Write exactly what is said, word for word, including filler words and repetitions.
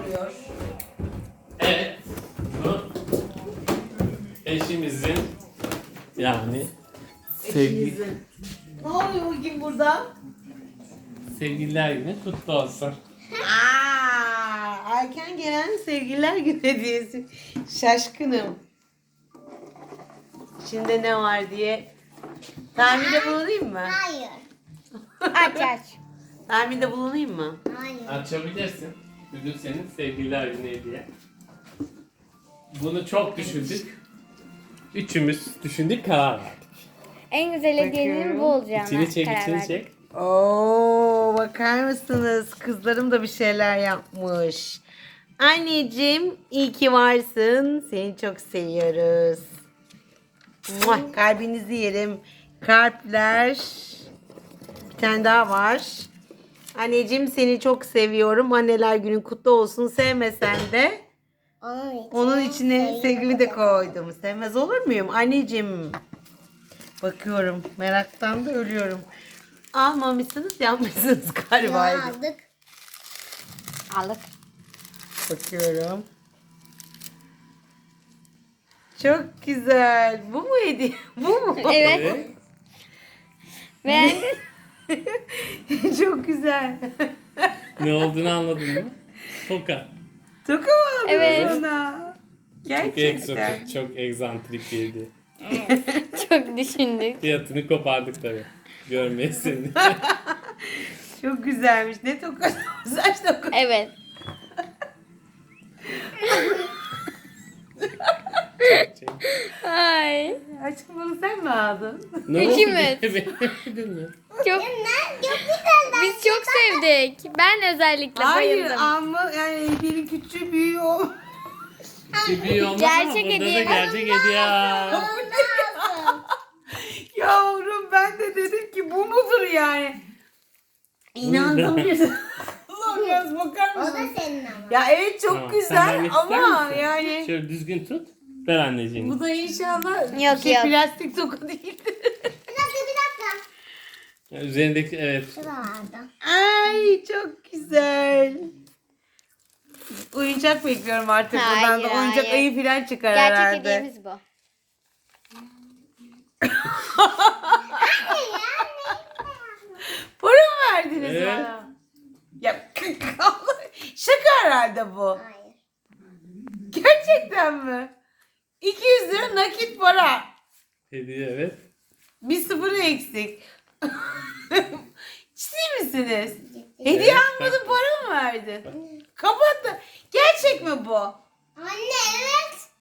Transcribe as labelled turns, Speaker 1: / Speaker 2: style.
Speaker 1: oluyor?
Speaker 2: Evet. Bu eşimizin yani sevgi,
Speaker 1: Eşinizin. Ne oluyor bugün burada?
Speaker 2: sevgililer günü kutlu olsun.
Speaker 1: Aa, erken gelen sevgililer günü hediyesi. Şaşkınım. İçinde ne var diye tahminde bulunayım mı?
Speaker 3: Hayır. Aç aç.
Speaker 1: Tahminde bulunayım mı?
Speaker 3: Hayır.
Speaker 2: Açabilirsin. Bugün senin sevgililer günü hediye. Bunu çok düşündük. Üçümüz düşündük, karar verdik.
Speaker 3: En güzel hediyenin
Speaker 1: Bakıyorum.
Speaker 3: bu olacağına
Speaker 2: İçini çek,
Speaker 3: karar
Speaker 2: içini
Speaker 3: verdim.
Speaker 2: çek.
Speaker 1: Oo, bakar mısınız? Kızlarım da bir şeyler yapmış. Anneciğim iyi ki varsın. Seni çok seviyoruz. Muah, kalbinizi yerim. Kalpler. Bir tane daha var. Anneciğim seni çok seviyorum. Anneler günün kutlu olsun. Sevmesen de
Speaker 3: Onun,
Speaker 1: onun içine sevgimi de koydum. Sevmez olur muyum? Anneciğim. Bakıyorum. Meraktan da ölüyorum. Almamışsınız, yapmışsınız galiba.
Speaker 3: Ya, aldık. Aldık.
Speaker 1: Bakıyorum. Çok güzel. Bu mu hediye? Bu mu?
Speaker 3: Evet.
Speaker 2: Evet.
Speaker 3: Beğendin?
Speaker 1: Çok güzel.
Speaker 2: Ne olduğunu anladın mı? Toka.
Speaker 1: Toka mı aldın
Speaker 3: Evet.
Speaker 1: ona?
Speaker 2: Çok
Speaker 1: Gerçekten.
Speaker 2: egzotik, çok egzantrik bir hediye.
Speaker 3: Çok düşündük.
Speaker 2: Fiyatını kopardık tabii. Görmeye seni.
Speaker 1: Çok güzelmiş. Ne tokası? Saç tokası.
Speaker 3: Evet. Ay.
Speaker 1: Aşkım bunu sen mi aldın?
Speaker 2: Ne oldu?
Speaker 3: Üçümüz.
Speaker 2: Beğenmedin mi?
Speaker 3: Çok Biz çok sevdik. Ben özellikle
Speaker 1: Hayır
Speaker 3: bayıldım.
Speaker 1: ama yani biri küçüğü büyüğü o.
Speaker 2: Gibi olmaz
Speaker 3: Gerçek
Speaker 2: ama burada
Speaker 3: hediye.
Speaker 2: da gerçek hediye.
Speaker 1: Yavrum ben de dedim ki bu mudur yani? İnandım ya. Ulan biraz bakar
Speaker 3: O da
Speaker 1: mısın?
Speaker 3: senin ama.
Speaker 1: Ya evet çok
Speaker 2: Tamam, sen
Speaker 1: güzel
Speaker 2: vermek ister
Speaker 1: ama
Speaker 2: misin?
Speaker 1: yani
Speaker 2: Şöyle düzgün tut. Ver anneciğim.
Speaker 1: bu da inşallah
Speaker 3: Yok,
Speaker 1: şey,
Speaker 3: yok.
Speaker 1: plastik toka değildir.
Speaker 3: Bir dakika bir dakika.
Speaker 2: Üzerindeki evet.
Speaker 3: Şurada vardı.
Speaker 1: Ay çok güzel. Oyuncak bekliyorum artık
Speaker 3: Hayır,
Speaker 1: buradan da oyuncak
Speaker 3: hayır.
Speaker 1: ayı falan çıkar
Speaker 3: Gerçek
Speaker 1: herhalde.
Speaker 3: hediyemiz bu.
Speaker 1: Para mı verdiniz
Speaker 2: Evet.
Speaker 1: bana? Ya şaka herhalde bu.
Speaker 3: Hayır.
Speaker 1: Gerçekten mi? iki yüz lira nakit para.
Speaker 2: Hediye evet.
Speaker 1: Bir sıfırı eksik. Ciddi misiniz? Hediye
Speaker 2: Evet.
Speaker 1: almadın para mı verdin? Kapat da. Gerçek mi bu?
Speaker 3: Anne evet.